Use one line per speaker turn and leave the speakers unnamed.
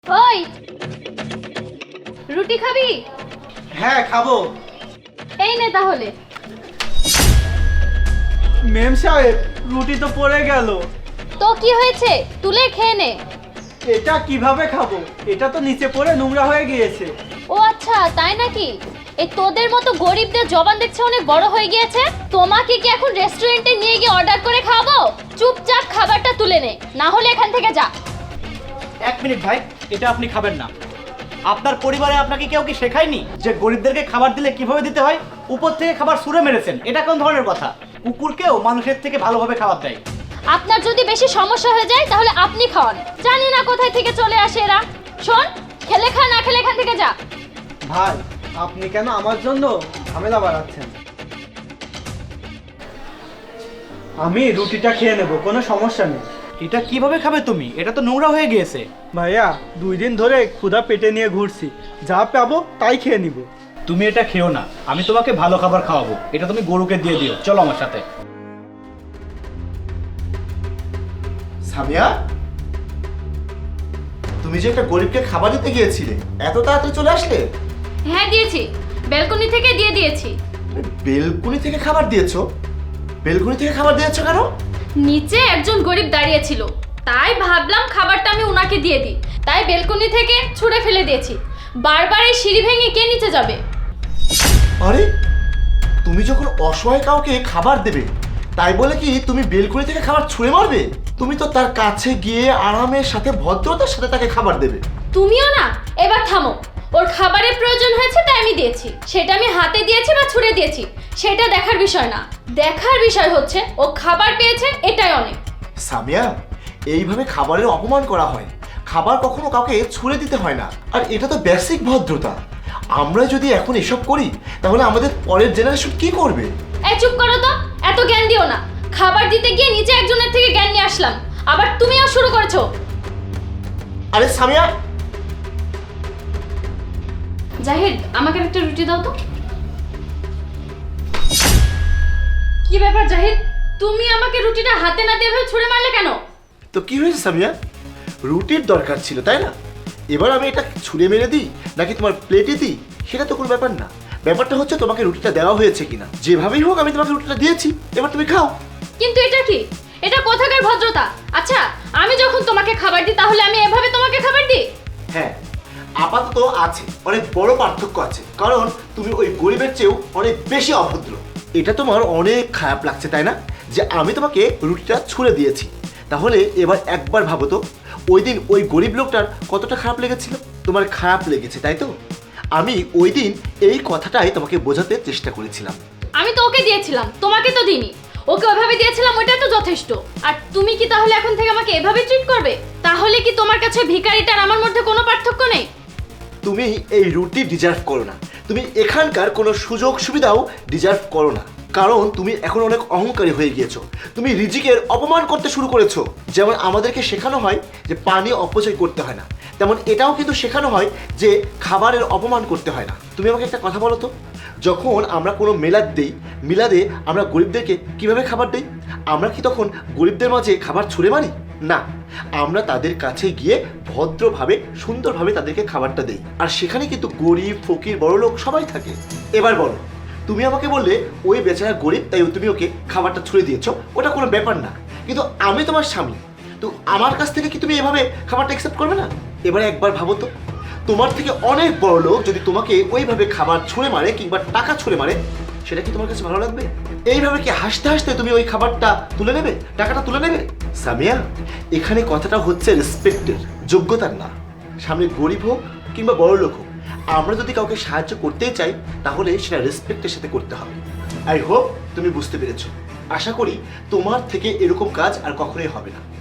ওই রুটি খাবি?
হ্যাঁ খাবো।
এই নে তাহলে।
মেম সাহেব রুটি তো পড়ে গেল।
তো কি হয়েছে, তুলে খেয়ে নে।
এটা কিভাবে খাবো? এটা তো নিচে পড়ে নোংরা হয়ে গিয়েছে।
ও আচ্ছা, তাই নাকি? এই তোদের মতো গরিবদের জবান দেখছে অনেক বড় হয়ে গিয়েছে। তোমাকে কি এখন রেস্টুরেন্টে নিয়ে গিয়ে অর্ডার করে খাওয়াবো? চুপচাপ খাবারটা তুলে নে, না হলে এখান থেকে যা।
এক মিনিট ভাই, এটা আপনি খাবেন না। আপনার পরিবারে আপনাকে কেউ কি শেখায়নি যে গরিবদেরকে খাবার দিলে কিভাবে দিতে হয়? উপর থেকে খাবার ছুঁড়ে মেরেছেন, এটা কোন ধরনের কথা? কুকুরকেও মানুষের থেকে ভালোভাবে খাবার দেয়।
আপনার যদি বেশি সমস্যা হয়ে যায় তাহলে আপনি খাওয়ান। জানি না কোথায় থেকে চলে আসে এরা। শোন, খেলে খা, না খেলে এখান থেকে যা।
ভাই আপনি কেন আমার জন্য ঝামেলা বাড়াচ্ছেন? আমি রুটিটা খেয়ে নেব, কোনো সমস্যা নেই।
এটা কিভাবে খাবে তুমি? এটা তো নোংরা হয়ে গিয়েছে।
ভাইয়া 2 দিন ধরে ক্ষুধা পেটে নিয়ে ঘুরছি, যা পাবো তাই খেয়ে নিব।
তুমি এটা খেও না, আমি তোমাকে ভালো খাবার খাওয়াবো। এটা তুমি গরুকে দিয়ে দিও। চলো আমার সাথে।
সামিয়া, তুমি যে একটা গরিবকে খাবার দিতে গিয়েছিলে, এত তাড়াতাড়ি চলে আসলে?
হ্যাঁ দিয়েছি, ব্যালকনি থেকে দিয়ে দিয়েছি।
বেলকুনি থেকে খাবার দিয়েছো? বেলকুনি থেকে খাবার দিয়েছো কেন?
নিচে একজন গরিব দাঁড়িয়ে ছিল, তাই ভাবলাম খাবারটা আমি ওনাকে দিয়ে দিই, তাই বেলকনি থেকে ছুঁড়ে ফেলে দিয়েছি। বারবার এই সিঁড়ি ভেঙে কে নিচে যাবে?
আরে, তুমি যখন অসহায় কাউকে খাবার দেবে, তাই বলে কি তুমি বেলকুনি থেকে খাবার ছুঁড়ে মারবে? তুমি তো তার কাছে গিয়ে আরামের সাথে ভদ্রতার সাথে তাকে খাবার দেবে।
তুমিও না, এবার থামো। ওর খাবারের প্রয়োজন হয়েছে তাই আমি দিয়েছি। সেটা আমি হাতে দিয়েছি বা ছুঁড়ে দিয়েছি সেটা দেখার বিষয় না। দেখার বিষয় হচ্ছে ও খাবার পেয়েছে, এটাই অনেক।
সামিয়া, এইভাবে খাবারের অপমান করা হয়। খাবার কখনো কাউকে ছুঁড়ে দিতে হয় না, আর এটা তো বেসিক ভদ্রতা। আমরা যদি এখন এসব করি তাহলে আমাদের পরের জেনারেশন কি করবে?
এই চুপ করো তো, এত জ্ঞান দিও না। খাবার দিতে গিয়ে নিচে একজনের থেকে জ্ঞান নিয়ে আসলাম, আবার তুমিও শুরু করেছো।
আরে সামিয়া,
জাহিদ, আমাকে একটা রুটি দাও তো। কি ব্যাপার জাহিদ, তুমি আমাকে রুটিটা হাতে না দিয়ে ছুঁড়ে মারলে কেন?
তো কি হয়েছে সামিয়া? রুটির দরকার ছিল তাই না? এবার আমি এটা ছুঁড়ে মেরে দিই নাকি তোমার প্লেটে দিই সেটা তো কোনো ব্যাপার না। ব্যাপারটা হচ্ছে তোমাকে রুটিটা দেওয়া হয়েছে কিনা। যেভাবেই হোক আমি তোমাকে রুটিটা দিয়েছি, এবার তুমি খাও।
কিন্তু এটা কি? এটা কোথাকার ভদ্রতা? আচ্ছা, আমি যখন তোমাকে খাবার দিই তাহলে আমি এভাবে তোমাকে খাবার দিই?
হ্যাঁ, আপাতত আছে, অনেক বড় পার্থক্য আছে, কারণ তুমি ওই গরিবের চেয়েও অনেক বেশি অভদ্র। এটা তোমার অনেক খারাপ লাগছে তাই না, যে আমি তোমাকে রুটিটা ছুঁড়ে দিয়েছি? তাহলে এবার একবার ভাবো তো, ওই দিন ওই গরিব লোকটার কতটা খারাপ লেগেছিল। তোমার খারাপ লেগেছে তাই তো? আমি ওই দিন এই কথাটাই তোমাকে বোঝাতে চেষ্টা করেছিলাম।
আমি তো ওকে দিয়েছিলাম, তোমাকে তো দিইনি। ওকে ওইভাবে দিয়েছিলাম, ওটা তো যথেষ্ট। আর তুমি কি তাহলে এখন থেকে আমাকে এভাবে ট্রিট করবে? তাহলে কি তোমার কাছে ভিখারিটার আমার মধ্যে কোনো পার্থক্য নেই?
তুমি এই রুটি ডিজার্ভ করো না। তুমি এখানকার কোনো সুযোগ সুবিধাও ডিজার্ভ করো না, কারণ তুমি এখন অনেক অহংকারী হয়ে গিয়েছো। তুমি রিজিকের অপমান করতে শুরু করেছো। যেমন আমাদেরকে শেখানো হয় যে পানি অপচয় করতে হয় না, তেমন এটাও কিন্তু শেখানো হয় যে খাবারের অপমান করতে হয় না। তুমি আমাকে একটা কথা বলো তো, যখন আমরা কোনো মেলাদ দিই, মিলাদে আমরা গরিবদেরকে কিভাবে খাবার দিই? আমরা কি তখন গরিবদের মাঝে খাবার ছুঁড়ে মারি? না, আমরা তাদের কাছে গিয়ে ভদ্রভাবে সুন্দরভাবে তাদেরকে খাবারটা দেই। আর সেখানে কিন্তু গরিব ফকির বড়লোক সবাই থাকে। এবার বলো, তুমি আমাকে বললে ওই বেচারা গরিব তাই তুমি ওকে খাবারটা ছুঁড়ে দিয়েছো, ওটা কোনো ব্যাপার না। কিন্তু আমি তোমার স্বামী, তো আমার কাছ থেকে কি তুমি এভাবে খাবারটা অ্যাকসেপ্ট করবে না? এবারে একবার ভাবো তো, তোমার থেকে অনেক বড় লোক যদি তোমাকে ওইভাবে খাবার ছুঁড়ে মারে কিংবা টাকা ছুঁড়ে মারে, সেটা কি তোমার কাছে ভালো লাগবে? এইভাবে কি হাসতে হাসতে তুমি ওই খাবারটা তুলে নেবে, টাকাটা তুলে নেবে? সামিয়া, এখানে কথাটা হচ্ছে রেসপেক্টের, যোগ্যতার না। সামনে গরিব হোক কিংবা বড় লোক হোক, আমরা যদি কাউকে সাহায্য করতেই চাই তাহলে সেটা রেসপেক্টের সাথে করতে হবে। আই হোপ তুমি বুঝতে পেরেছো। আশা করি তোমার থেকে এরকম কাজ আর কখনোই হবে না।